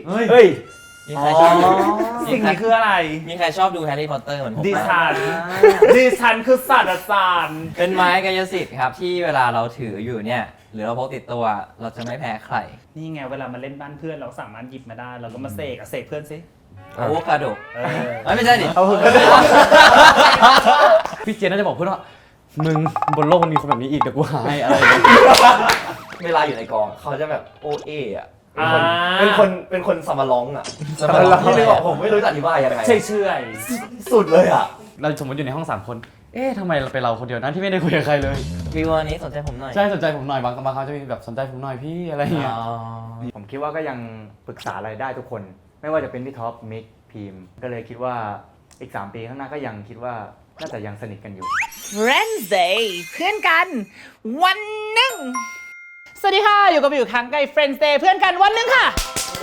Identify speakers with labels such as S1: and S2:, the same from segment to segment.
S1: เฮ้ย
S2: มีใครชอบดู
S3: สิ่งนี้คืออะไร
S2: มีใครชอบดูแฮร์รี่พอตเตอร์เหมือนผม
S3: ดิ
S2: ไหม
S3: ฉันคือศาสตราจารย์
S2: เป็นไม้กายสิทธิ์ครับที่เวลาเราถืออยู่เนี่ยหรือเราพกติดตัวเราจะไม่แพ้ใคร
S3: นี่ไงเวลามาเล่นบ้านเพื่อนเราสามารถหยิบมาได้เราก็มาเสกเพื่อนสิ
S2: อะโวคาโดไม่ใช่ดิ
S1: พี่เจนน่าจะบอกเพื่อนว่ามึงบนโลกมันมีคนแบบนี้อีกเดี๋ยวกูหาให้อะไรอย่างเงี้ย
S4: เวลาอยู่ในกองเขาจะแบบโอเออะเป็นคนสมาร้องอะที่นึกออกผมไม่รู้จะอธิบายยังไง
S3: เชื่อย
S4: สุดเลยอะ
S1: เราสมมติอยู่ในห้อง3คนทำไมเราเป็นเราคนเดียวนั้นที่ไม่ได้คุยกับใครเลย
S2: วิววันนี้สนใจผมหน่อย
S1: ใช่สนใจผมหน่อยบางครั้งจะมีแบบสนใจผมหน่อยพี่อะไรอย่างเงี้ย
S5: ผมคิดว่าก็ยังปรึกษาอะไรได้ทุกคนไม่ว่าจะเป็นพี่ท็อปมิกพีมก็เลยคิดว่าอีก3 ปีข้างหน้าก็ยังคิดว่าน่าจะยังสนิทกันอยู่
S3: Friends Day เพื่อนกันวันหนึ่งสวัสดีค่ะอยู่กับครั้งใกล้ Friends Day เพื่อนกันวันหนึ่งค่ะ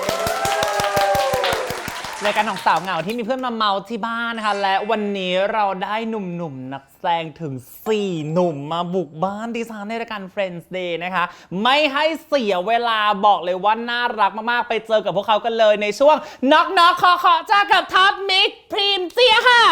S3: รายการของสาวเหงาที่มีเพื่อนมาเมาที่บ้านนะคะและวันนี้เราได้หนุ่มๆนักแสดงถึง4 หนุ่มมาบุกบ้านดิฉันในรายการ Friends Day นะคะไม่ให้เสียเวลาบอกเลยว่าน่ารักมากๆไปเจอกับพวกเขากันเลยในช่วงน็อกน็อกขอจ้ากับท็อปมิกพรีมเจียค่ะ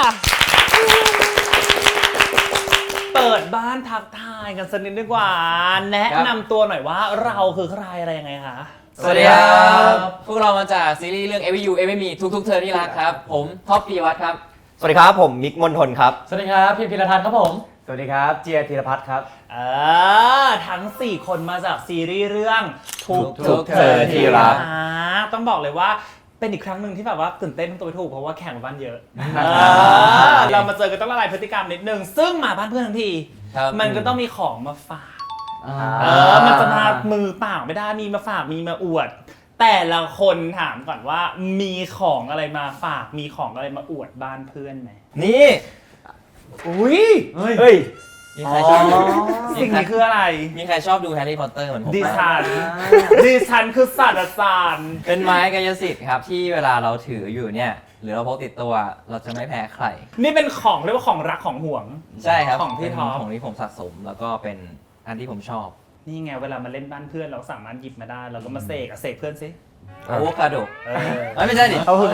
S3: เปิดบ้านทักทายกันสักนิดดีกว่าแนะนำตัวหน่อยว่าเราคือใครอะไรยังไงคะ
S2: สวัสดีครับพวกเรามาจากซีรีส์เรื่อง Every You Every Me ทุกๆเธอที่รักครับผมท็อปปีวัฒน์ครับ
S4: สวัสดีครับผมมิกมนทนครับ
S1: สวัสดีครับพี่พิรทัศน์ครับผม
S5: สวัสดีครับเจียธีรพัฒน์ครับ
S3: ทั้ง4 คนมาจากซีรีส์เรื่อง
S2: ทุกเธอที่รัก
S3: ต้องบอกเลยว่าเป็นอีกครั้งหนึ่งที่แบบว่าตื่นเต้นตัวไปถูกเพราะว่าแข่งบ้านเยอะเรามาเจอกันต้องละลายพฤติกรรมนิดนึงซึ่งมาบ้านเพื่อนทั้งทีมันก็ต้องมีของมาฝากมันจะมามือเปล่าไม่ได้มีมาฝากมีมาอวดแต่ละคนถามก่อนว่ามีของอะไรมาฝากมีของอะไรมาอวดบ้านเพื่อนไหม
S2: นี่
S3: อุ้ย
S4: เฮ้ย
S2: มีใครชอบดู
S3: สิ่งนี้คืออะไร
S2: มีใครชอบดูแฮร์รี่พอตเตอร์เหมือนผมไหม
S3: ดิฉันคือศาสตราจารย์
S2: เป็นไม้กายสิทธิ์ครับที่เวลาเราถืออยู่เนี่ยหรือเราพกติดตัวเราจะไม่แพ้ใคร
S3: นี่เป็นของเรียกว่าของรักของห่วง
S2: ใช่ครับ
S3: ของพี่ท็อป
S2: ของที่ผมสะสมแล้วก็เป็นอันที่ผมชอบ
S3: นี่ไงเวลามาเล่นบ้านเพื่อนเราสามารถหยิบมาได้เราก็มาเสกเพื่อนสิ
S2: อะโวคาโดไม่ใช่ดิ
S5: อะโว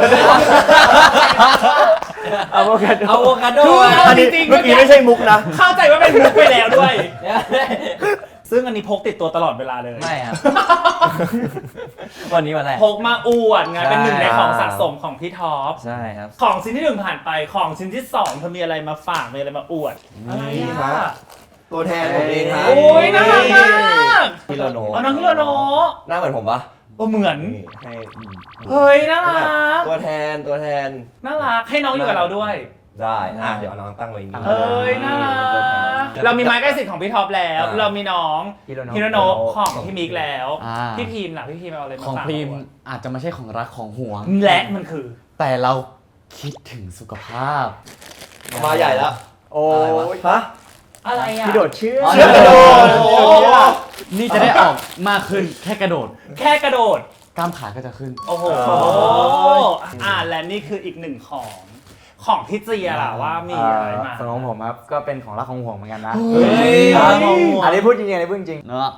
S5: คาโด
S4: อันนี้เมื่อกี้ไม่ใช่มุกนะ
S3: เข้าใจว่าเป็นมุกไปแล้วด้วยซึ่งอันนี้พกติดตัวตลอดเวลาเลย
S2: ไม่ครับวันนี้วันแรก
S3: พกมาอวดไงเป็นหนึ่งในของสะสมของพี่ท็อป
S2: ใช่ครับ
S3: ของชิ้นที่1ผ่านไปของชิ้นที่2เธอมีอะไรมาฝากมีอะไรมาอวดอะไร
S4: ครับตัวแทนผมเองครับ
S3: โอ้ยน่ารักมาก
S4: ฮิโรโนะ
S3: น้องฮิโรโนะ
S4: หน้าเหมือนผมปะ
S3: เหมือนเฮ้ยน่ารัก
S4: ตัวแทน
S3: น่ารักให้น้องอยู่กับเราด้วย
S4: ได้เดี๋ยวน้องตั้งไว้นี่
S3: เฮ้ยน่ารักเรามีไม้ใกล้สิทธิ์ของพี่ท็อปแล้วเรามีน้องฮิโรโนะของพี่มิกแล้วพี่พีมล่ะพี่พีมเอาอะไรมาฝาก
S1: ของพีมอาจจะไม่ใช่ของรักของห่วง
S3: และมันคือ
S1: แต่เราคิดถึงสุขภาพ
S4: มาใหญ่แล้ว
S5: โอ้ย
S4: ฮะ
S3: อะไรอ่ะ
S5: พี่โดดเชือก
S4: กระโดด
S1: นี่จะได้ออกมากขึ้นแค่กระโดดกล้ามขาก็จะขึ้น
S3: โอ้โหและนี่คืออีก1ของพี่เจียล่ะว่ามีอะไรมา
S5: ของผมครับก็เป็นของรักของห่วงเหมือนกันนะ
S3: อั
S5: นนี้พูดจริงอันนี้พูดจริง
S1: เนาะ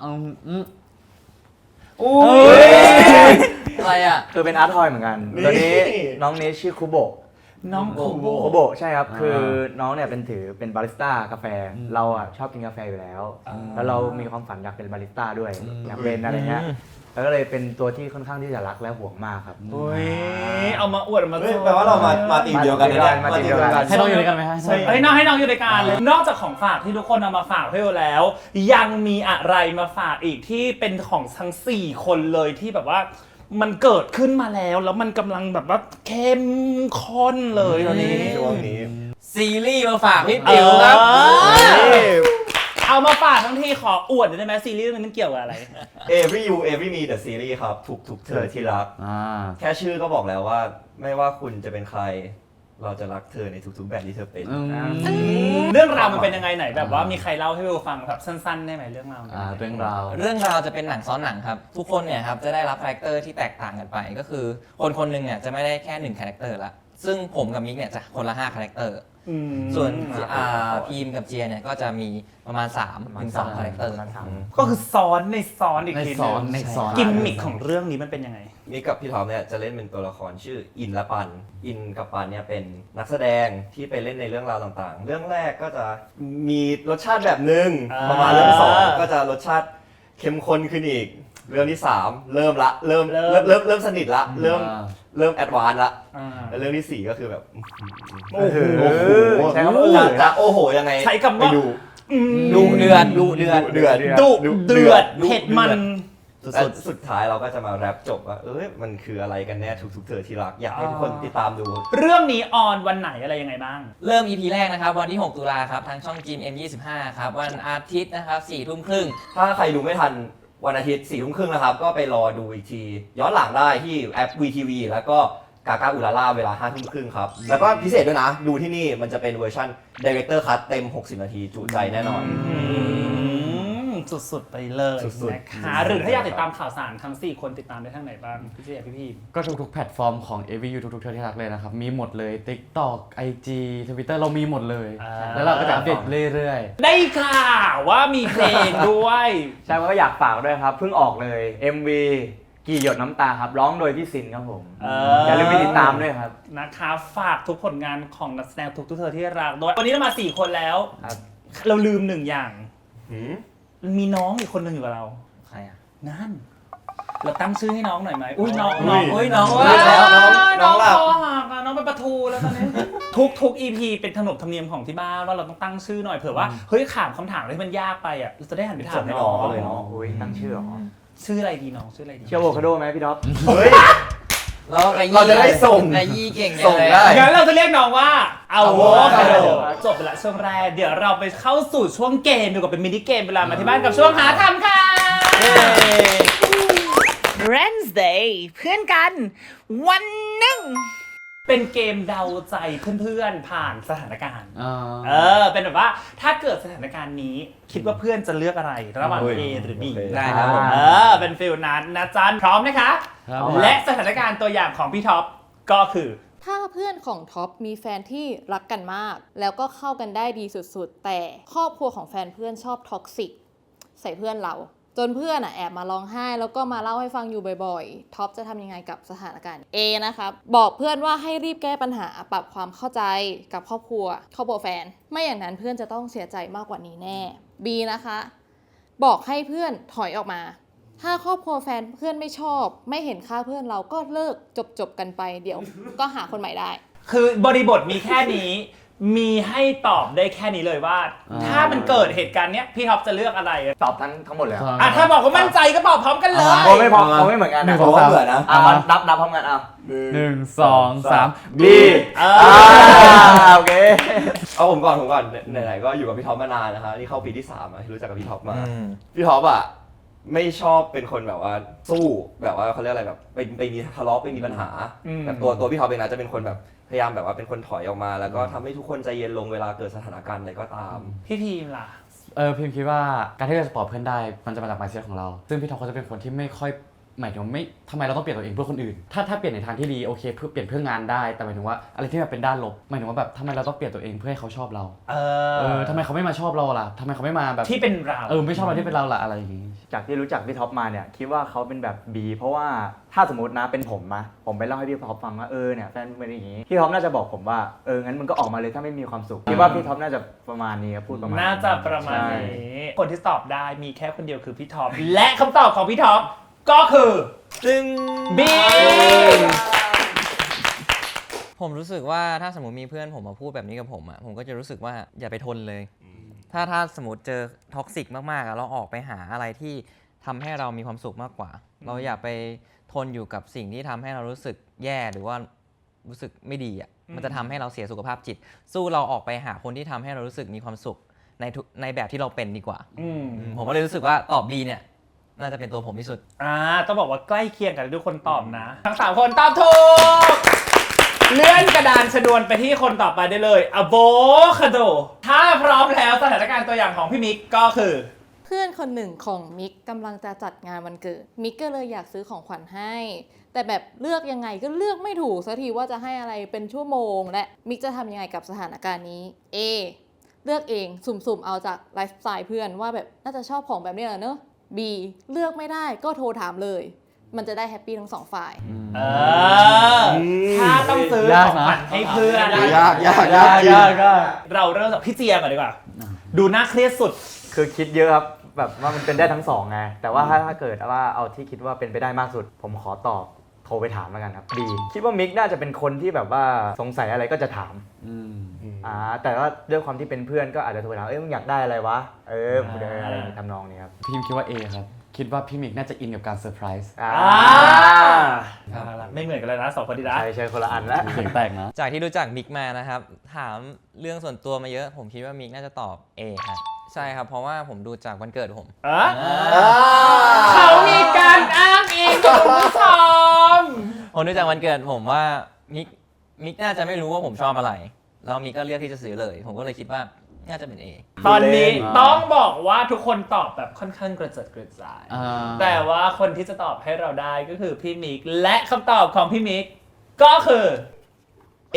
S2: อะไรอ่ะ
S5: คือเป็นอาร์ตทอยเหมือนกันตัวนี้น้องนี้ชื่อคุโบะ
S3: น้อง
S5: คุโบะใช่ครับคือน้องเนี่ยเป็นบาริสต้ากาแฟเราอ่ะชอบกินกาแฟอยู่แล้วแล้วเรามีความฝันอยากเป็นบาริสต้าด้วยอยากเป็นอะไรเงี้ยแล้วก็เลยเป็นตัวที่ค่อนข้างที่จะรักและห่วงมากครับ
S3: โอ้ยเอามาอวดมา
S4: แปลว่าเรามาทีมเดียวกัน
S5: มาทีมเดียวกัน
S1: ให้น้องอยู่ด้วยกันไหมฮะ
S3: ให้น้องอยู่ในการเลยนอกจากของฝากที่ทุกคนเอามาฝากให้เราแล้วยังมีอะไรมาฝากอีกที่เป็นของทั้ง4 คนเลยที่แบบว่ามันเกิดขึ้นมาแล้วมันกำลังแบบว่าเข้มข้นเลยตอนนี้
S4: ช่วงนี้
S2: ซีรีส์มาฝากพี่ติ๋วครับ
S3: เอามาฝากทั้งที่ขออวดได้ไหมซีรีส์มันเกี่ยวกับอะไร
S4: Every You Every Me The Series ครับทุกเธอที่รักแค่ชื่อก็บอกแล้วว่าไม่ว่าคุณจะเป็นใครเราจะรักเธอในทุกๆแบบที่เธอเป็น
S3: เรื่องราวมันเป็นยังไงไหนแบบว่ามีใครเล่าให้เราฟังแบบสั้นๆได้ไหมเรื่องราว
S1: เรื่อง
S2: ราวจะเป็นหนังซ้อนหนังครับทุกคนเนี่ยครับจะได้รับคาแรคเตอร์ที่แตกต่างกันไปก็คือคนนึงเนี่ยจะไม่ได้แค่1คาแรคเตอร์ละซึ่งผมกับมิกเนี่ยจะคนละ5คาแรคเตอร์ส่วนพีมกับเจียเนี่ยก็จะมีประมาณ3 ถึง 2 คาแรคเตอร์
S3: ก็คือซ้อนในซ้อนอีก
S1: ใน
S3: ที
S1: ซ้อน
S3: ห
S1: ใน
S3: นึ่ง
S1: ซ้อน
S3: กิมมิคของเรื่องนี้มันเป็นยังไง
S4: นี่กับพี่ท็อปเนี่ยจะเล่นเป็นตัวละครชื่ออินและปัน อินกับปันเนี่ยเป็นนักแสดงที่ไปเล่นในเรื่องราวต่างๆ เรื่องแรกก็จะมีรสชาติแบบหนึ่ง
S3: อ่า
S4: ประมาณเรื่อง2ก็จะรสชาติเข้มข้นขึ้นอีก เรื่องที่3เริ่มสนิทละเริ่มแอดวานซ์ละแล้วเรื่องที่4ก็คือแบบ
S3: โอ้โห
S5: ใช้คำว่า
S4: จะโอ้โหยังไง
S3: ใช้คำว่า
S4: ไปดู
S2: ดุเดือด
S3: ดุเดือดเผ็ดมัน
S4: และสุดท้ายเราก็จะมาแรปจบว่ามันคืออะไรกันแน่ทุกๆเธอที่รักอยากให้ทุกคนติดตามดู
S3: เรื่องนี้ออนวันไหนอะไรยังไงบ้าง
S2: เริ่ม EP แรกนะครับวันที่ 6 ตุลาครับทางช่องจีม M25 ครับวันอาทิตย์นะครับ 4 ทุ่มครึ่ง
S4: ถ้าใครดูไม่ทันวันอาทิตย์4 ทุ่มครึ่งนะครับ ก็ไปรอดูอีกที ย้อนหลังได้ที่แอป VTV แล้วก็กากาอุลาล่าเวลา5 ทุ่มครึ่งครับ แล้วก็พิเศษด้วยนะ ดูที่นี่มันจะเป็นเวอร์ชัน Director Cut เต็ม 60 นาทีจุใจแน่นอน
S3: สุดๆไปเลย
S4: สุดๆ
S3: นะคะหรือถ้าอยากติดตามข่าวสารทั้ง 4 คนติดตามได้ทางไหนบ้างพี่เจียพี่พีม
S1: ก็ทุกๆแพลตฟอร์มของ AVU ทุกๆเธอที่รักเลยนะครับ มีหมดเลย TikTok IG Twitter เรามีหมดเลย แล้วเราก็จะอัปเดตเรื่อย
S3: ได้ข่าวว่ามีเพลงด้วย
S5: ใช่ก็อยากฝากด้วยครับ เพิ่งออกเลย MV กี่หยดน้ำตาครับร้องโดยพี่ซินครับผมอย่าลืมไปติดตามด้วยครับ
S3: นะคะฝากทุกผลงานของนักแสดงทุกเธอที่รักด้วยวันนี้เรามา 4 คนแล้ว
S5: ครับ
S3: เราลืม1 อย่างมีน้องอีกคนหนึ่งอยู่กับเรา
S2: ใครอ่ะ
S3: นั่น เราตั้งชื่อให้น้องหน่อยไหมอุ้ยน้อง
S2: อุ้ยน้อง
S3: ว้า
S2: แล้ว
S3: น้องคอหักอะน้องเป็นปลาทูแล้วตอนนี้ ทุก EP เป็นขนบธรรมเนียมของที่บ้านว่าเราต้องตั้งชื่อหน่อยเผื่อว่าเฮ้ยถามคำถามอะไรที่มันยากไปอ่ะเราจะได้หันไปถามน้อง
S4: เลยเนาะ
S5: โอ้ยตั้งชื่อเหรอ
S3: ชื่ออะไรดีน้องชื่ออะไรดี
S5: เชื่อโวคาโดไหมพี่ท็อป
S4: เฮ้ย
S2: เราจะได้ส่งไอ้ยี่เก่ง
S4: ส่งได้
S3: งั้นเราจะเรียกน้องว่าเอาโวคาโด
S5: Avocado
S3: จบไปละช่วงแรกเดี๋ยวเราไปเข้าสู่ช่วงเกมดีกว่าเป็นมินิเกมเวลามาที่บ้านกับช่วงหาทำค่ะ Wednesday เพื่อนกันวันหนึ่งเป็นเกมเดาใจเพื่อนๆผ่านสถานการณ์
S1: ๆ
S3: เป็นแบบว่าถ้าเกิดสถานการณ์นี้คิดว่าเพื่อนจะเลือกอะไรระหว่าง A หรือ B
S4: โอเค
S2: ได้ครับผม
S3: เป็นฟิลนั้นนะจันพร้อมนะคะ
S1: ครับ
S3: และสถานการณ์ตัวอย่างของพี่ท็อปก็คือ
S6: ถ้าเพื่อนของท็อปมีแฟนที่รักกันมาก แล้วก็เข้ากันได้ดีสุดๆ แต่ครอบครัวของแฟนเพื่อนชอบท็อกซิกใส่เพื่อนเรา จนเพื่อนแอบมาร้องไห้แล้วก็มาเล่าให้ฟังอยู่บ่อยๆท็อปจะทำยังไงกับสถานการณ์ A นะครับบอกเพื่อนว่าให้รีบแก้ปัญหาปรับความเข้าใจกับครอบครัวแฟน ไม่อย่างนั้นเพื่อนจะต้องเสียใจมากกว่านี้แน่ B นะคะบอกให้เพื่อนถอยออกมา ถ้าครอบครัวแฟนเพื่อนไม่ชอบไม่เห็นค่าเพื่อนเราก็เลิกจบกันไปเดี๋ยวก็หาคนใหม่ได้
S3: คือบริบทมีแค่นี้ มีให้ตอบได้แค่นี้เลยว่า ถ้ามันเกิดเหตุการณ์เนี้ยพี่ท็อปจะเลือกอะไร
S5: ตอบทั้งหมดเลยเหรอ
S3: ถ้าบอกว่ามั่นใจก็ตอบพร้อมกันเลย
S5: ผมไม่พอเขาไม่เหมือนกัน
S1: หนึ่
S5: นะ
S1: งสอง
S4: เพราะว่าเบื่อนะ
S5: นับพร้อมกันเอา
S1: 1 2 3 B
S5: โอเค
S4: เอาผมก่อนไหนๆก็อยู่กับพี่ท็อปมานานนะคะนี่เข้าปีที่3อ่ะที่รู้จักกับพี่ท็อปมาพี่ท็อปอ่ะไม่ชอบเป็นคนแบบว่าสู้แบบว่าเขาเรียกอะไรแบบไปมีทะเลาะไปมีปัญหาแบบตัวพี่ท็อปเองนะจะเป็นคนแบบพยายามแบบว่าเป็นคนถอยออกมา แล้วก็ทำให้ทุกคนใจเย็นลงเวลาเกิดสถานการณ์อะไรก็ตาม
S3: พี่ทีมล่ะ
S1: พิมคิดว่าการที่เราจะปลอบเพื่อนได้มันจะมาจาก mindset ของเรา ซึ่งพี่ท็อปเขาจะเป็นคนที่ไม่ค่อยหมายถึงไม่ทำไมเราต้องเปลี่ยนตัวเองเพื่อคนอื่นถ้าเปลี่ยนในทางที่ดีโอเคเพื่อเปลี่ยนเพื่องานได้แต่หมายถึงว่าอะไรที่มันเป็นด้านลบหมายถึงว่าแบบทำไมเราต้องเปลี่ยนตัวเองเพื่อให้เขาชอบเราทำไมเขาไม่มาชอบเราล่ะทำไมเขาไม่มาแบบ
S3: ที่เป็นเรา
S1: ไม่ชอบเราที่เป็นเราล่ะอะไรอย่างงี้
S5: จากที่รู้จักพี่ท็อปมาเนี่ยคิดว่าเขาเป็นแบบ B เพราะว่าถ้าสมมตินะเป็นผมไปเล่าให้พี่ท็อปฟังว่าเนี่ยแฟนเป็นอย่างนี้พี่ท็อปน่าจะบอกผมว่างั้นมึงก็ออกมาเลยถ้าไม่มีความสุขคิดว่าพี่ท็อปน่าจะประมาณนี้ครับพูดประมาณ
S3: น่าจะประมาณนี้คนที่ตอบได้มีแค่คนเดียวคือพี่ท็อปและคำตอบของพี่ท็อปก็คือB
S2: ผมรู้สึกว่าถ้าสมมติมีเพื่อนผมมาพูดแบบนี้กับผมผมก็จะรู้สึกว่าอย่าไปทนเลย ถ้าสมมติเจอท็อกซิกมากๆเราออกไปหาอะไรที่ทำให้เรามีความสุขมากกว่า เราอย่าไปทนอยู่กับสิ่งที่ทำให้เรารู้สึกแย่หรือว่ารู้สึกไม่ดีมันจะทำให้เราเสียสุขภาพจิต สู้เราออกไปหาคนที่ทำให้เรารู้สึกมีความสุขในแบบที่เราเป็นดีกว่าผมก็เลยรู้สึกว่าตอบBเนี่ยน่าจะเป็นตัวผมที่สุด
S3: ต้องบอกว่าใกล้เคียงกันทุกคนตอบนะทั้ง3คนตอบถูกเลื่อนกระดานชนวนไปที่คนต่อไปได้เลยอะโวคาโดถ้าพร้อมแล้วสถานการณ์ตัวอย่างของพี่มิกก็คือ
S6: เพื่อนคนหนึ่งของมิกกำลังจะจัดงานวันเกิดมิกก็เลยอยากซื้อของขวัญให้ แต่แบบเลือกยังไงก็เลือกไม่ถูกสักทีว่าจะให้อะไรเป็นชั่วโมงและมิกจะทำยังไงกับสถานการณ์นี้ A เลือกเองสุ่มๆเอาจากไลฟ์สไตล์เพื่อนว่าแบบน่าจะชอบของแบบนี้แหละเนอะ B เลือกไม่ได้ก็โทรถามเลย มันจะได้แฮปปี้ทั้งสองฝ่าย
S3: ถ้าต้องซื้อของขวัญให้เพื่อน
S4: ยากจริง
S3: เราเริ่มจากพี่เจียก่อนดีกว่า ดูน่าเครียดสุด
S5: คือคิดเยอะครับแบบว่ามันเป็นได้ทั้งสองไงแต่ว่าถ้าเกิดว่าเอาที่คิดว่าเป็นไปได้มากสุด ผมขอตอบโทรไปถามแล้วกันครับดีคิดว่ามิกน่าจะเป็นคนที่แบบว่าสงสัยอะไรก็จะถามแต่ว่าด้วยความที่เป็นเพื่อนก็อาจจะโทรไปถามมึงอยากได้อะไรวะอะไรอย่างนี้ทำนองนี้ครับ
S1: พี่พิมคิดว่า A ครับ คิดว่าพี่มิกน่าจะอินกับการเซอร์ไพรส์
S3: ไม่เหมือนกันเลยนะสองคนดีนะ
S5: ใช่คนละอันแล้ว
S1: เสียงแตกนะ
S2: จากที่รู้จักมิกมานะครับถามเรื่องส่วนตัวมาเยอะ ผมคิดว่ามิกน่าจะตอบ A ครับใช่ครับเพราะว่าผมดูจากวันเกิดผม
S3: เขามีการอ้างอิงคุณผู้ชม
S2: ผมดูจากวันเกิดผมว่ามิกน่าจะไม่รู้ว่าผมชอบอะไรแล้วมิกก็เลือกที่จะซื้อเลย ผมก็เลยคิดว่าน่าจะเป็น A
S3: ตอนนี้ต้องบอกว่าทุกคนตอบแบบค่อนข้างกระเจิดกระจาย แต่ว่าคนที่จะตอบให้เราได้ก็คือพี่มิกและคำตอบของพี่มิกก็คือ A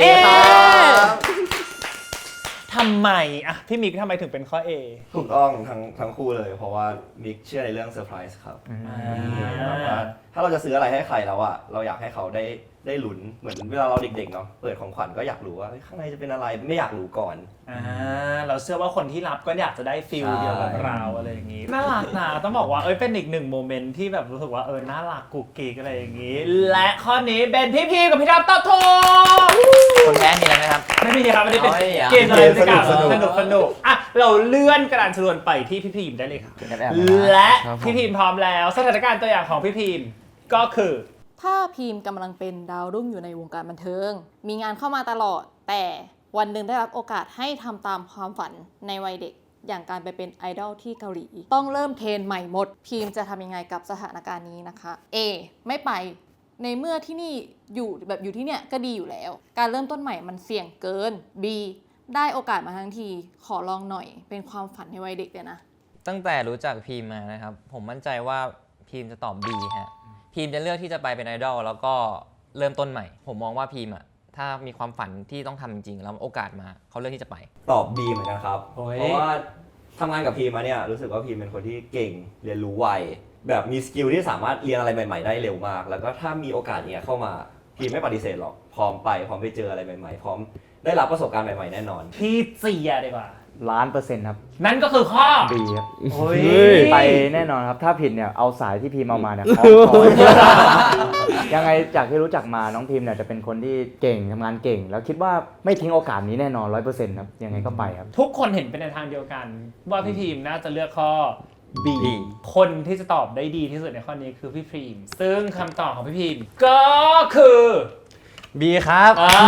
S3: ทำไมอะพี่มิกทำไมถึงเป็นข้อ A
S4: ถูกต้องทั้งคู่เลย เพราะว่ามิกเชื่อในเรื่องเซอร์ไพรส์ครับแบบว่าถ้าเราจะซื้ออะไรให้ใครแล้วอะเราอยากให้เขาได้ลุ้นเหมือนเวลาเราเด็กๆเนาะเปิดของขวัญก็อยากรู้ว่าข้างในจะเป็นอะไรไม่อยากรู้ก่อน
S3: เราเชื่อว่าคนที่รับก็อยากจะได้ฟิลเดียวกับเราอะไรอย่างนี้น่ารักนะต้องบอกว่าเป็นอีกหนึ่งโมเมนต์ที่แบบรู้สึกว่าน่ารักกุ๊กกิ๊กอะไรอย่างนี้ และข้อนี้เป็นพี่พีกับพี่ท็อปตอบถูก
S2: คนแพ้มีอะไรไหมครับ
S3: ไม่มีครับไม่ได้เป็น
S2: เอาไม่มีอ่ะ
S3: เกมอะไรสักอย่าง
S4: สนุก
S3: สนุกอ่ะเราเลื่อนกระดานชนวนไปที่พี่พีมได้เลยครับ และ
S1: ครับผม
S3: พี่พีมพร้อมแล้วสถานการณ์ตัวอย่างของพี่พีมก็คือ
S6: ถ้าพีมกำลังเป็นดาวรุ่งอยู่ในวงการบันเทิง มีงานเข้ามาตลอด แต่วันหนึ่งได้รับโอกาสให้ทำตามความฝันในวัยเด็ก อย่างการไปเป็นไอดอลที่เกาหลี ต้องเริ่มเทรนใหม่หมด พีมจะทำยังไงกับสถานการณ์นี้นะคะ A ไม่ไป ในเมื่อที่นี่อยู่ที่เนี่ยก็ดีอยู่แล้ว การเริ่มต้นใหม่มันเสี่ยงเกิน B ได้โอกาสมาทั้งที ขอลองหน่อย เป็นความฝันในวัยเด็กเลยนะ
S2: ตั้งแต่รู้จักพีมมานะครับผมมั่นใจว่าพีมจะตอบ B ฮะพีมจะเลือกที่จะไปเป็นไอดอลแล้วก็เริ่มต้นใหม่ ผมมองว่าพีมอะถ้ามีความฝันที่ต้องทำจริงๆแล้วโอกาสมาเขาเลือกที่จะไป
S4: ตอบ B เหมือนกันครับ
S3: โอ้ย
S4: เพราะว่าทำงานกับพีมมาเนี่ยรู้สึกว่าพีมเป็นคนที่เก่งเรียนรู้ไวแบบมีสกิลที่สามารถเรียนอะไรใหม่ๆได้เร็วมาก แล้วก็ถ้ามีโอกาสเนี้ยเข้ามาพีมไม่ปฏิเสธหรอกพร้อมไปเจออะไรใหม่ๆพร้อมได้รับประสบการณ์ใหม่ๆแน่นอน
S3: พี่เจียดีกว่า
S5: 1,000,000%ครับ
S3: นั่นก็คือข้อ
S5: B ครับ
S3: โอ้ย
S5: ไปแน่นอนครับถ้าผิดเนี่ยเอาสายที่พีมเอามาเนี่ยคล้องคอยังไงจากที่รู้จักมาน้องพีมเนี่ยจะเป็นคนที่เก่งทำงานเก่ง แล้วคิดว่าไม่ทิ้งโอกาสนี้แน่นอน 100%ครับยังไงก็ไปครับ
S3: ทุกคนเห็นเป็นในทางเดียวกัน ว่าพี่พีมน่าจะเลือกข้อ B
S2: B
S3: คนที่จะตอบได้ดีที่สุดในข้อนี้คือพี่พีมซึ่งคำตอบของพี่พีมก็คือ
S2: B ครับ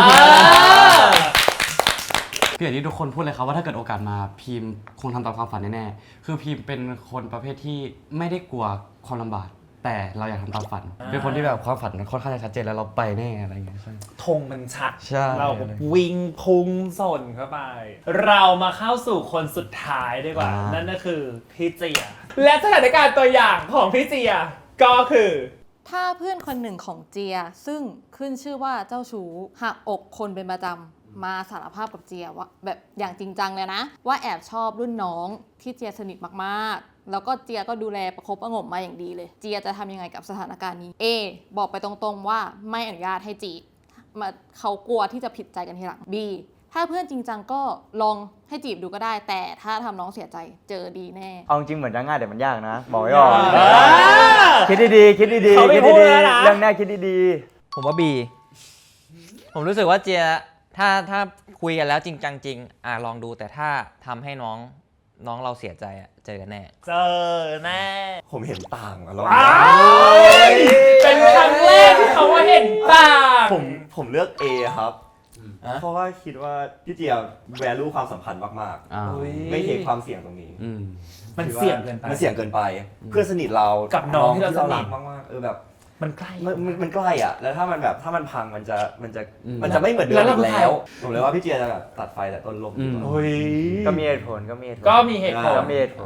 S1: คืออย่างที่ทุกคนพูดเลยครับว่าถ้าเกิดโอกาสมาพิมคงทำตามความฝันแน่ๆ คือพิมเป็นคนประเภทที่ไม่ได้กลัวความลำบาก แต่เราอยากทำตามฝัน เป็นคนที่แบบความฝันมันค่อนข้างจะชัดเจนแล้วเราไปแน่อะไรอย่างเงี้ยใช่
S3: ธงมันชัด
S1: ใช่
S3: เราวิ่งพุ่งส่นเข้าไป เรามาเข้าสู่คนสุดท้ายดีกว่า นั่นก็คือพี่เจีย และสถานการณ์ตัวอย่างของพี่เจียก็คือ
S6: ถ้าเพื่อนคนหนึ่งของเจียซึ่งขึ้นชื่อว่าเจ้าชู้หักอกคนเป็นประจำมาสารภาพกับเจียว่าแบบอย่างจริงจังเลยนะ ว่าแอบชอบรุ่นน้องที่เจียสนิทมากๆ แล้วก็เจียก็ดูแลประคบประหงมมาอย่างดีเลย เจียจะทำยังไงกับสถานการณ์นี้ A บอกไปตรงๆว่าไม่อนุญาตให้จีบเขากลัวที่จะผิดใจกันทีหลัง B ถ้าเพื่อนจริงจังก็ลองให้จีบดูก็ได้ แต่ถ้าทำน้องเสียใจเจอดีแน่
S5: เอาจริงเหมือนจะง่ายแต่มันยากนะ บอกไว้ก่อน
S3: อ
S5: คิดดีๆคิดดีๆ
S3: เขาไม่
S5: คิด
S3: พูด
S5: ดี
S3: แล้วนะ
S5: ๆเรื่องแรกคิดดี
S2: ผมว่า B ผมรู้สึกว่าเจียถ้าคุยกันแล้วจริงจังจริงลองดูแต่ถ้าทำให้น้องเราเสียใจเจอกันแน่
S3: เจอแน่
S4: ผมเห็นต่างอะเรา
S3: เป็นครั้งแรกที่เขาว่าเห็นต่าง
S4: ผมเลือก A ครับ เพราะว่าคิดว่าพี่เจียแวลูความสัมพันธ์มาก
S1: อ่า
S4: ๆ ไม่เทคความเสี่ยงตรงนี้
S1: อืม
S3: มันเสี่ยงเกินไป
S4: มันเสี่ยงเกินไป เพื่อนสนิทเรา
S3: กั
S4: กับ
S3: น้องที่เราสนิท
S4: มากๆแบบ
S3: มันใกล้
S4: มันใกล้อ่ะ แล้วถ้ามันพังมันจะ ไม่เหมือนเดิม
S3: แล้วเรา
S4: อีกแล้วผมเลยว่าพี่เจียจะแบบตัดไฟแต่ต้นลมดีกว่า
S3: โอ้ย
S5: ๆ ก็มีเหตุผล
S3: ก็มีเหตุผล
S5: ก็มีเหตุผล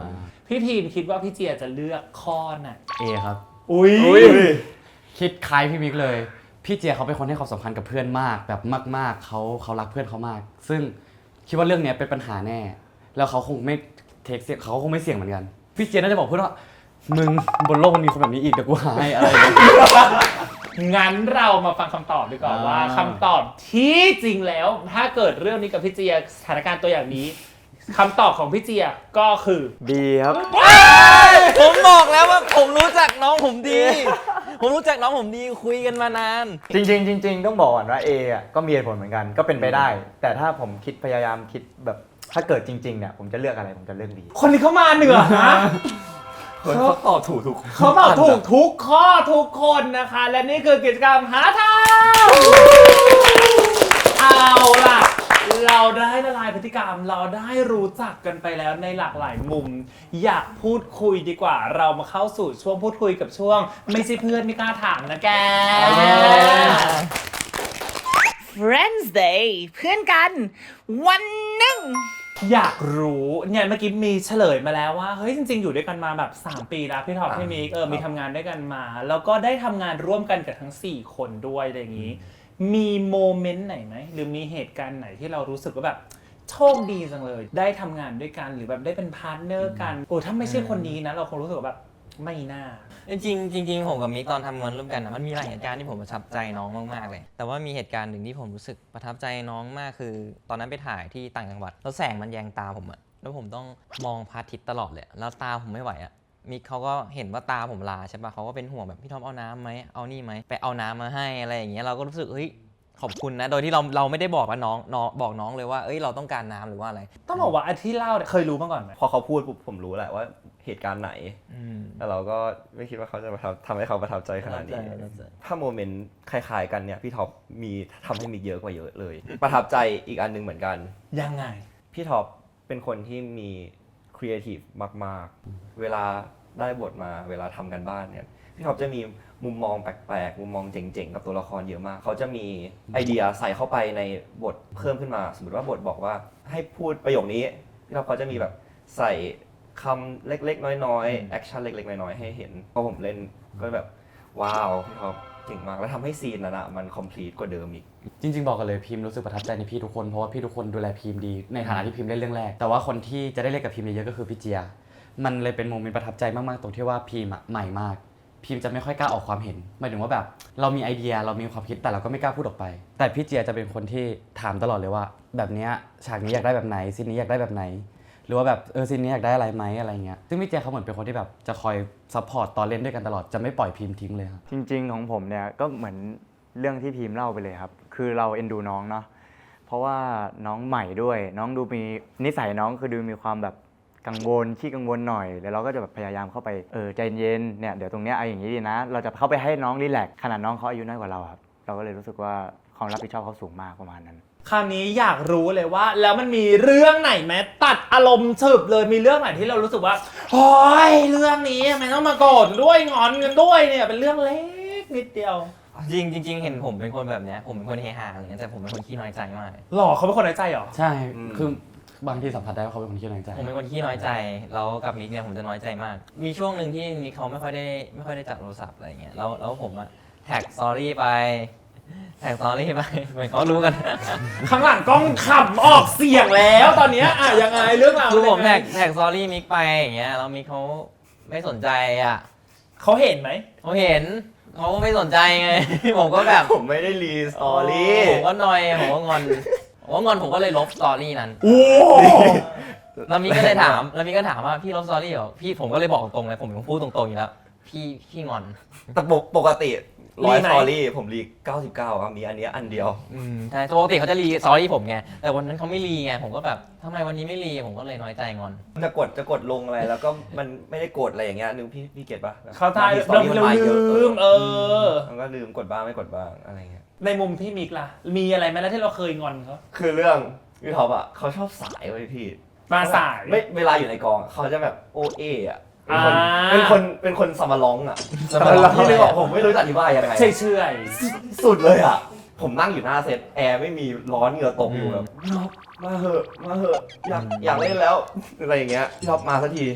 S3: พี่พีมคิดว่าพี่เจียจะเลือกข้อไหน
S1: A ครับ
S3: อุ้ย
S1: คิดคล้ายพี่มิกเลย พี่เจียเขาเป็นคนให้ความสำคัญกับเพื่อนมากแบบมากๆเขารักเพื่อนเขามาก ซึ่งคิดว่าเรื่องเนี้ยเป็นปัญหาแน่ แล้วเขาคงไม่เทคเสี่ยงเขาคงไม่เสี่ยงเหมือนกัน พี่เจียน่าจะบอกเพื่อนว่ามึงบนโลกมันมีคนแบบนี้อีกเดี๋ยวกูหาให้อะไรอย่างเงี้ย
S3: งั้นเรามาฟังคำตอบดีกว่าว่าคำตอบที่จริงแล้ว ถ้าเกิดเรื่องนี้กับพี่เจียสถานการณ์ตัวอย่างนี้คำตอบของพี่เจียก็คือ
S5: ดีครับ
S2: ผมบอกแล้วว่าผมรู้จักน้องผมดี ผมรู้จักน้องผมดีคุยกันมานาน
S5: จริงๆต้องบอกก่อนว่า A อ่ะก็มีเหตุผลเหมือนกันก็เป็นไปได้ แต่ถ้าผมพยายามคิดแบบถ้าเกิดจริงๆเนี่ยผมจะเลือกอะไรผมจะเลือก B
S3: คนนี้เขามาเหนือนะ
S4: เขาตอบถูกทุก
S3: เขาตอบถูกทุกข้อทุกคนนะคะ และนี่คือกิจกรรมหาทางเอาล่ะ เราได้ละลายพฤติกรรม เราได้รู้จักกันไปแล้วในหลากหลายมุม อยากพูดคุยดีกว่า เรามาเข้าสู่ช่วงพูดคุยกับช่วง ไม่ใช่เพื่อนไม่กล้าถามนะแก
S7: Friends Day เพื่อนกันวันหนึ่ง
S3: อยากรู้เนี่ยเมื่อกี้มีเฉลยมาแล้วว่าเฮ้ยจริงๆอยู่ด้วยกันมาแบบ3 ปีแล้วพี่ท็อปพี่มิกมีทำงานด้วยกันมา แล้วก็ได้ทำงานร่วมกันกับทั้ง4 คนด้วยอะไรอย่างนี้ มีโมเมนต์ไหนไหมหรือมีเหตุการณ์ไหนที่เรารู้สึกว่าแบบโชคดีจังเลย ได้ทำงานด้วยกันหรือแบบได้เป็นพาร์ทเนอร์กันโอ้ถ้าไม่ใช่คนนี้นะเราคงรู้สึกว่าแบบไม่น่า
S2: จริงๆผมกับมิกตอนทำงานร่วมกันนะมันมีหลายเหตุการณ์ที่ผมประทับใจน้องมากๆเลย แต่ว่ามีเหตุการณ์หนึ่งที่ผมรู้สึกประทับใจน้องมากคือ ตอนนั้นไปถ่ายที่ต่างจังหวัดแล้วแสงมันแยงตาผมอะแล้วผมต้องมองพระอาทิตย์ตลอดเลยแล้วตาผมไม่ไหวอะมิกเขาก็เห็นว่าตาผมลาใช่ปะเขาก็เป็นห่วงแบบพี่ทอมเอาน้ำไหมเอานี่ไหมไปเอาน้ำมาให้อะไรอย่างเงี้ยเราก็รู้สึกเฮ้ยขอบคุณนะโดยที่เราไม่ได้บอกว่าน้องบอกน้องเลยว่าเอ้ยเราต้องการน้ำหรือว่าอะไร
S3: ต้องบอกว่าอันที่เล่าเนี่ยเคยรู้มาก่อนไหม
S4: พอเขาพูดปุ๊บผมรู้แหละว่าเหตุการณ์ไหนแต่เราก็ไม่คิดว่าเขาจะทำให้เขาประทับใจขนาดนี้ ถ้าโมเมนต์คล้ายๆกันเนี่ยพี่ท็อปมีทำให้มีเยอะกว่าเยอะเลย ประทับใจอีกอันหนึงเหมือนกัน
S3: ยังไง
S4: พี่ท็อปเป็นคนที่มีครีเอทีฟมากๆ เวลาได้บทมาเวลาทำกันบ้านเนี่ยพี่ท็อปจะมีมุมมองแปลกๆมุมมองเจ๋งๆกับตัวละครเยอะมากเขาจะมีไอเดียใส่เข้าไปในบทเพิ่มขึ้นมาสมมติว่าบทบอกว่าให้พูดประโยคนี้พี่ท็อปเขาจะมีแบบใส่คำเล็กๆน้อยๆแอคชั่นเล็กๆน้อยๆให้เห็นพอผมเล่นก็แบบว้าวพี่ท็อปเก่งมากแล้วทำให้ซีนนั้นอะมันคอมพลีทกว่าเดิมอีก
S1: จริงๆบอกกันเลยพิมรู้สึกประทับใจในพี่ทุกคนเพราะว่าพี่ทุกคนดูแลพิมดีในฐานะที่พิมเล่นเรื่องแรกแต่ว่าคนที่จะได้เล่นกับพิมเยอะๆก็คือพี่เจียมันเลยเป็นโมเมนต์ประทับใจมากๆตรงที่ว่าพิมใหม่มากพิมจะไม่ค่อยกล้าออกความเห็นหมายถึงว่าแบบเรามีไอเดียเรามีความคิดแต่เราก็ไม่กล้าพูดออกไปแต่พี่เจียจะเป็นคนที่ถามตลอดเลยว่าแบบเนี้ยฉากนี้อยากได้แบบไหนซีนนี้อยากได้แบบไหนหรือว่าแบบซีนนี้อยากได้อะไรไหมอะไรเงี้ยซึ่งพี่เจียเขาเหมือนเป็นคนที่แบบจะคอยซัพพอร์ตตอนเล่นด้วยกันตลอดจะไม่ปล่อยพิมทิ้งเลยครับ
S5: จริงๆของผมเนี่ยก็เหมือนเรื่องที่พีมเล่าไปเลยครับคือเราเอ็นดูน้องเนาะเพราะว่าน้องใหม่ด้วยน้องดูมีนิสัยน้องคือดูมีความแบบกังวลขี้กังวลหน่อยแล้วเราก็จะแบบพยายามเข้าไปใจเย็นเนี่ยเดี๋ยวตรงเนี้ยเอาอย่างนี้ดีนะเราจะเข้าไปให้น้องรีแลกซ์ขนาดน้องเขาอายุน้อยกว่าเราครับเราก็เลยรู้สึกว่าความรับผิดชอบเขาสูงมากประมาณนั้น
S3: คราวนี้อยากรู้เลยว่าแล้วมันมีเรื่องไหนไหมตัดอารมณ์ฉึบเลยมีเรื่องไหนที่เรารู้สึกว่าโอ้ยเรื่องนี้ทำไมต้องมาโกรธด้วยงอนกันด้วยเนี่ยเป็นเรื่องเล็กนิดเดียว
S2: จริงๆเห็นผมเป็นคนแบบเนี้ยผมเป็นคนเฮฮาอะไรเงี้ยแต่ผมเป็นคนขี้น้อยใจมาก
S3: หล่อเขาเป็นคนน้อยใจเหรอ
S1: ใช่คือบางทีสัมผัสได้ว่าเขาเป็นคนขี้น้อยใจ
S2: ผมเป็นคนขี้น้อยใจแล้วกับมิกเนี่ยผมจะน้อยใจมาก มีช่วงหนึ่งที่มิกเขาไม่ค่อยได้จับโทรศัพท์อะไรเงี้ยแล้วผมอะแท็กสตอรี่ไปเหมือนเขารู้กัน
S3: ข้างหลังกล้องขำออกเสียงแล้วตอนเนี้ยอ่ะยังไงเรื่องราว
S2: คือผม
S3: เป็นยังไง
S2: แท็กสตอรี่มิกไปอย่างเงี้ยแล้วมิกเขาไม่สนใจอ่ะ
S3: เขาเห็นไหม
S2: เขาเห็นเขาไม่สนใจไง ผมก็แบบ
S4: ผมไม่ได้รีสตอรี่
S2: ผมก็นอยผมก็งอนผมก็เลยลบสตอรี่นั้น
S3: โอ้
S2: แล้วมิกก็เลยถามว่าพี่ลบสตอรี่เหรอพี่ผมก็เลยบอกตรงๆเลยผมพูดตรงๆอยู่แล้วพี่งอน
S4: แต่ปกติ100สตอรี่ผมรี99ครับมีอันเนี้ยอันเดียว
S2: ใช่ปกติเขาจะรีสตอรี่ผมไงแต่วันนั้นเขาไม่รีไงผมก็แบบทำไมวันนี้ไม่รีผมก็เลยน้อยใจงอน
S4: จะกดลงอะไรแล้วก็มันไม่ได้กดอะไรอย่างเงี้ยนึกพี่เก็ตป่ะ
S3: เขาทาย
S4: สตอรี่มันมาเยอะ
S3: ลืม
S4: มันก็ลืมกดบ้างไม่กดบ้างอะไรเงี้ย
S3: ในมุมพี่มิกล่ะมีอะไรไหมแล้วที่เราเคยงอนเขา
S4: คือเรื่องพี่ท็อปอ่ะเขาชอบสายไว้พี่
S3: มาสาย
S4: ไม่เวลาอยู่ในกองเขาจะแบบโอเออ่ะเป็น
S3: อ่า
S4: คนสมาร้องอ่ะ
S2: สมาร้อง
S4: พี่เลยบอกผมไม่รู้จะอธิบายยังไง
S3: เฉย
S4: สุดเลยอ่ะผมนั่งอยู่หน้าเซตแอร์ไม่มีร้อนเหงื่อตกอยู่แบบมาเหอะอยากเล่นแล้วอะไรอย่างเงี้ยพี่ท็อปมาสักที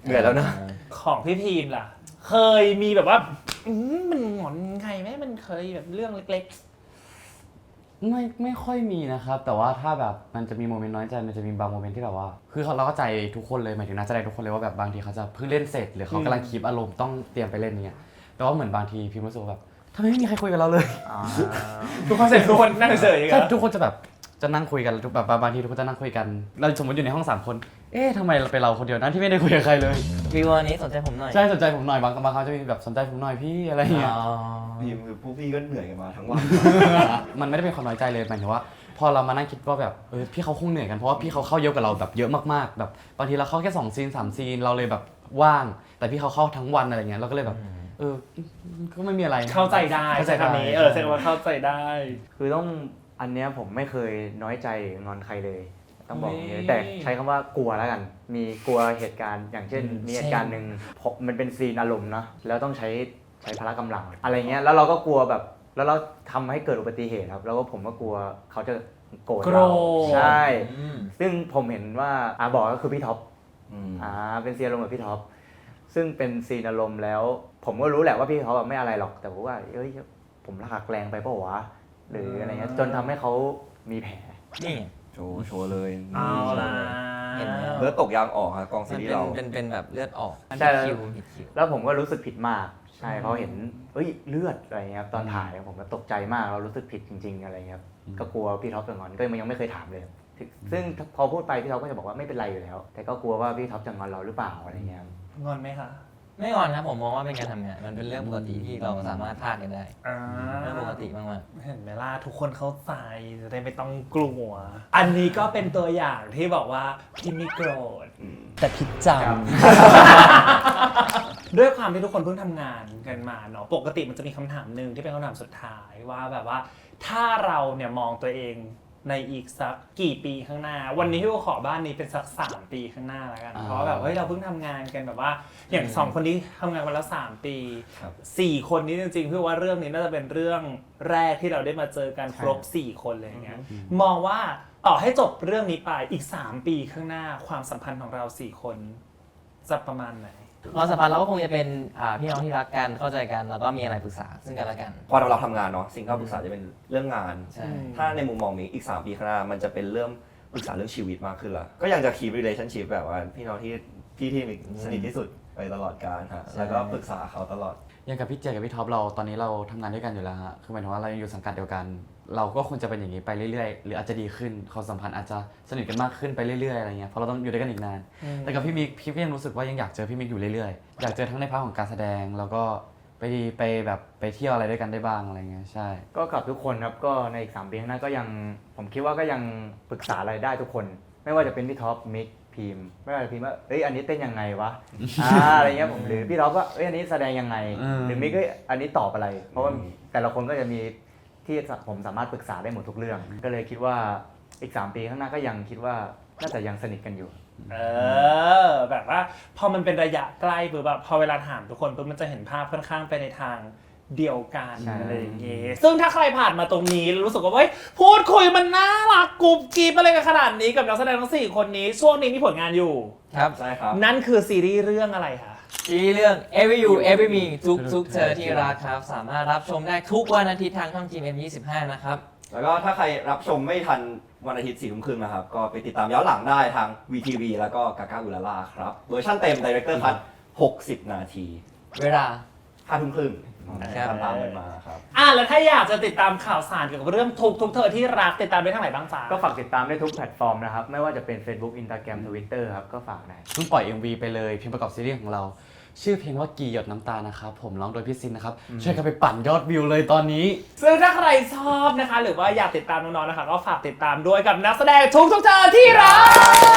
S4: เหนื่อยแล้วนะ
S3: ของพี่พีมล่ะ เคยมีแบบว่ามันหงอนไงไหมมันเคยแบบเรื่องเล็ก
S1: ไม่ค่อยมีนะครับ แต่ว่าถ้าแบบมันจะมีโมเมนต์น้อยใจมันจะมีบางโมเมนต์ที่แบบว่าคือเราก็ใจทุกคนเลยหมายถึงนักแสดงทุกคนเลยว่าแบบบางทีเขาจะเพิ่งเล่นเสร็จหรือเขากำลังคีปอารมณ์ต้องเตรียมไปเล่นเนี่ยแต่ว่าเหมือนบางทีพิมรู้สึกว่าแบบทำไมไม่มีใครคุยกับเราเลย
S3: ๆทุกคนเสร็จทุกคนนั่งเฉยๆอย่าง
S1: ใช่
S3: เงี้ย
S1: ทุกคนจะแบบจะนั่งคุยกันแบบบางทีทุกคนจะนั่งคุยกันเราสมมติอยู่ในห้อง3คนเอ๊ะทำไมเราเป็นเราคนเดียวนั้นที่ไม่ได้คุยกับใครเลย
S2: วิววันนี้สนใจผมหน่อย
S1: ใช่สนใจผมหน่อยบางครั้งจะมีแบบสนใจผมหน่อยพี่อะไรอย่างเงี้ย
S4: พี่คือพวกพี่ก็เหนื่อยกันมาทั้งวัน
S1: มันไม่ได้เป็นความน้อยใจเลยหมายถึงว่า พอเรามานั่งคิดว่าแบบพี่เขาคงเหนื่อยกันเพราะว่าพี่เขาเข้าเยอะกว่าเราแบบเยอะมากๆแบบบางทีเราเข้าแค่2 ซีน 3 ซีนเราเลยแบบว่างแต่พี่เขาเข้าทั้งวันอะไรเงี้ยเราก็เลยแบบก็ไม่มีอะไร
S3: เข้าใจได้
S1: เข้าใจได้
S3: คำนี้แสดงว่าเข้าใจได้
S5: คือต้องอันเนี้ยผมไม่เคยน้อยใจหรืองอนใครเลยต้องบอกอย่าง
S3: เฮ้
S5: นี้
S3: ย
S5: แต่ใช้คำว่ากลัวแล้วกัน มีกลัวเหตุการณ์อย่างเช่น มีเหตุการณ์หนึ่งมันเป็นซีนอารมณ์นะแล้วต้องใช้พละกำลังอะไรเงี้ยแล้วเราก็กลัวแบบแล้วเราทำให้เกิดอุบัติเหตุครับแล้วก็ผมก็กลัวเขาจะโกรธเราใช่ซึ่งผมเห็นว่าบอกก็คือพี่ท็อปเป็นซีนอารมณ์กับพี่ท็อปซึ่งเป็นซีนอารมณ์แล้ว ผมก็รู้แหละว่าพี่เขาแบบไม่อะไรหรอกแต่ผมว่าผมหักแรงไปเปล่าวะหรืออะไรเงี้ยจนทำให้เขามีแผล
S2: นี่
S4: โชว์เลย
S3: เอาล่ะ
S2: เห็นไหม
S4: เลือดตกยางออกครับกองซี
S2: มัน
S4: รีส์เรา
S2: เป็นแบบเลือดออก
S5: ใช่
S2: ผิดคิว
S5: แล้วผมก็รู้สึกผิดมากใช่เพราะเห็นเลือดอะไรเงี้ยครับตอนถ่ายผมก็ตกใจมากเรารู้สึกผิดจริงๆอะไรเงี้ยครับก็กลัวพี่ท็อปจะงอนก็ยังไม่เคยถามเลยซึ่งพอพูดไปพี่ท็อปก็จะบอกว่าไม่เป็นไรอยู่แล้ว แต่ก็กลัวว่าพี่ท็อปจะงอนเราหรือเปล่าอะไรเงี้ย
S3: งอนไหมคะ
S2: ไม่งอนนะผมมองว่าเป็นการทำงานมันเป็นเรื่องปกติที่เราสามารถพลาดกันได้
S3: อ่า
S2: เรื่องปกติมาก
S3: เห็นไหมล่ะทุกคนเข้าใจจะได้ไม่ต้องกลัว อันนี้ก็เป็นตัวอย่างที่บอกว่าพี่ไม่โกรธแต่พี่จำ ด้วยความที่ทุกคนเพิ่งทำงานกันมาเนาะปกติมันจะมีคำถามหนึ่งที่เป็นคำถามสุดท้ายว่าแบบว่าถ้าเราเนี่ยมองตัวเองในอีกสักกี่ปีข้างหน้า วันนี้พี่ก็ขอบ้านนี้เป็นสัก3 ปีข้างหน้าแล้วกันเพราะแบบเฮ้ยเราเพิ่งทำงานกันแบบว่าอย่าง2 คนนี้ทำงานมาแล้ว3 ปี
S4: ครับ
S3: 4 คนนี้จริงๆพี่ว่าเรื่องนี้น่าจะเป็นเรื่องแรกที่เราได้มาเจอกันครบ4 คนเลยอย่างเงี้ยมองว่าต่อให้จบเรื่องนี้ไปอีก3 ปีข้างหน้าความสัมพันธ์ของเรา4 คนจะประมาณไหน
S2: ๆความสัมพันธ์เราก็คงจะเป็นพี่น้องที่รักกันเข้าใจกันแล้วก็มีอะไรปรึกษาซึ่งกันและกัน
S4: พอเราทำงานเนาะสิ่งที่เราปรึกษาจะเป็นเรื่องงาน
S2: ใช่
S4: ถ้าในมุมมองนี้อีก3 ปีข้างหน้ามันจะเป็นเรื่องปรึกษาเรื่องชีวิตมากขึ้นละก็ยังจะ keep relationship แบบว่าพี่น้องที่สนิทที่สุดไปตลอดกาลฮะแล้วก็ปรึกษาเขาตลอด
S1: อย่างกับพี่เจกับพี่ท็อปเราตอนนี้เราทำงานด้วยกันอยู่แล้วฮะคือหมายถึงว่าเรายังอยู่สังกัดเดียวกัน เราก็ควรจะเป็นอย่างนี้ไปเรื่อยๆหรืออาจจะดีขึ้นความสัมพันธ์อาจจะสนิทกันมากขึ้นไปเรื่อยๆอะไรเงี้ยเพราะเราต้องอยู่ด้วยกันอีกนาน แต่กับพี่มิกพี่ก็ยังรู้สึกว่ายังอยากเจอพี่มิกอยู่เรื่อยๆอยากเจอทั้งในพาร์ทของการแสดงแล้วก็ไปแบบไปเที่ยวอะไรด้วยกันได้บ้างอะไรเงี้ยใช่
S5: ก็กับทุกคนครับก็ในอีก3 ปีข้างหน้าก็ยังผมคิดว่าก็ยังปรึกษาอะไรได้ทุกคน ไม่ว่าจะเป็นพี่ท็อปมิกพิมพ์ไม่ว่าจะพิมพ์ว่าอันนี้เต้นยังไงวะอะไรเงี้ยผมหรือพี่ท็อปว่าอันนี้แสดงยังไงหรือมิกอันนี้ตอบอะไร เพราะว่าแต่ละคนก็จะมีที่ผมสามารถปรึกษาได้หมดทุกเรื่อง ก็เลยคิดว่าอีก3 ปีข้างหน้าก็ยังคิดว่าน่าจะยังสนิทกันอยู่
S3: แบบว่าพอมันเป็นระยะใกล้ปุ๊บแบบพอเวลาถามทุกคนปุ๊บมันจะเห็นภาพค่อนข้างไปในทางเดียวกัน
S5: ใช่
S3: อะไรอย่างเงี้ยซึ่งถ้าใครผ่านมาตรงนี้แล้วรู้สึกว่าเฮ้ยพูดคุยมันน่ารักกรุบกริบอะไรกันขนาดนี้กับนักแสดงทั้ง4 คนนี้ช่วงนี้มีผลงานอยู่
S2: ครับ
S4: ใช่ครับ
S3: นั่นคือซีรีส์เรื่องอะไรคะ
S2: ซีรีส์เรื่อง Every You Every Me ทุกเธอที่รักครับสามารถรับชมได้ทุกวันอาทิตย์ทางช่อง GMM25 นะครับ
S4: แล้วก็ถ้าใครรับชมไม่ทันวันอาทิตย์ 4 ทุ่มครึ่งนะครับก็ไปติดตามย้อนหลังได้ทาง VTV แล้วก็กากาอุลาล่าครับเวอร์ชันเต็ม Director Cut 60 นาที
S2: เวลา
S4: 5 ทุ่มครึ่ง
S2: ครับ
S4: ตามกันมาครับ
S3: แล้วถ้าอยากจะติดตามข่าวสารเกี่ยวกับเรื่องทุกเธอที่รักติดตามได้ทางไหนบ้างจ๊ะ
S5: ก็ฝากติดตามได้ทุกแพลตฟอร์มนะครับไม่ว่าจะเป็น Facebook Instagram Twitter ครับก็ฝากได้
S1: เพิ่งปล่อย MV ไปเลยเพลงประกอบซีรีส์ของเรา ชื่อเพลงว่ากี่หยดน้ำตานะครับผมร้องโดยพี่ซินนะครับช่วยกันไปปั่นยอดวิวเลยตอนนี้
S3: ซึ่งถ้าใครชอบนะคะหรือว่าอยากติดตามน้องๆนะคะก็ฝากติดตามด้วยกับนักแสดงทุกเธอที่รัก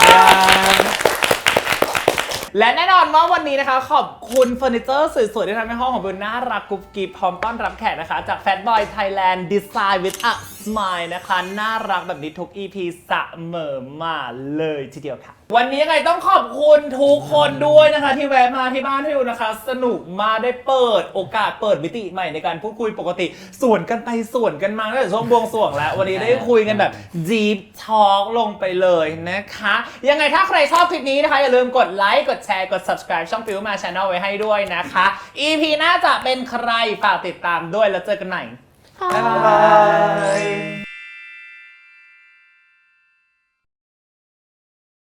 S3: และแน่นอนว่าวันนี้นะคะขอบคุณเฟอร์นิเจอร์สวยๆที่ทำให้ห้องของเบลน่ารักกุ๊บกิ๊บพร้อมต้อนรับแขกนะคะจาก Fatboy Thailand Design with a Smile นะคะน่ารักแบบนี้ทุก EP เสมอมาเลยทีเดียวค่ะวันนี้ยังไงต้องขอบคุณทุกคนด้วยนะคะที่แวะมาที่บ้านพี่อูนะคะสนุกมาได้เปิดโอกาสเปิดมิติใหม่ในการพูดคุยปกติส่วนกันไปส่วนกันมาตั้งแต่ช่วงบวงสรวงแล้ววันนี้ได้คุยกันแบบ Deep Talk ลงไปเลยนะคะยังไงถ้าใครชอบคลิปนี้นะคะอย่าลืมกดไลค์กดแชร์กด subscribe ช่อง Fill มา Channel ไว้ให้ด้วยนะคะ EP หน้าจะเป็นใครฝากติดตามด้วยแล้วเจอกันใหม่บ๊ายบาย